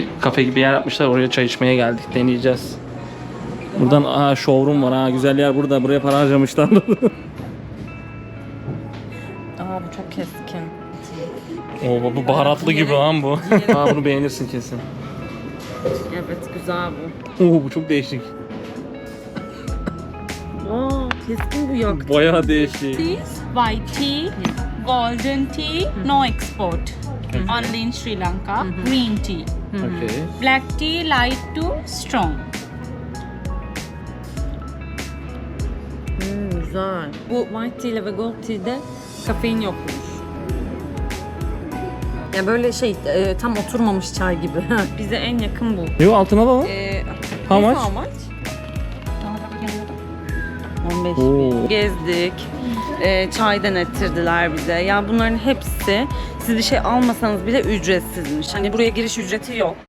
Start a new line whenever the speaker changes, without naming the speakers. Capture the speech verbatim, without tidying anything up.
bir kafe gibi yer yapmışlar. Oraya çay içmeye geldik. Deneyeceğiz. Buradan aa showroom var ha. Güzel yer burada. Buraya para harcamışlar.
Aa bu çok keskin.
Oo, bu baharatlı gibi lan bu. Aa, bunu beğenirsin kesin.
Evet güzel bu.
Oo, bu çok değişik.
Aa keskin bu yok.
Bayağı değişik.
Teas, white tea, golden tea, no export. Only in Sri Lanka. Green tea.
Okay.
Black tea, light to strong.
Hmm, güzel. Bu white tea ile ve gold tea'de kafein yokmuş. Ya böyle şey e, tam oturmamış çay gibi. Bize en yakın bu.
Yo, altına da var.
Ee,
How much?
How much? on beş
Oo.
bin. Gezdik. Ee, çay denettirdiler bize. Ya bunların hepsi siz bir şey almasanız bile ücretsizmiş. Hani buraya giriş ücreti yok.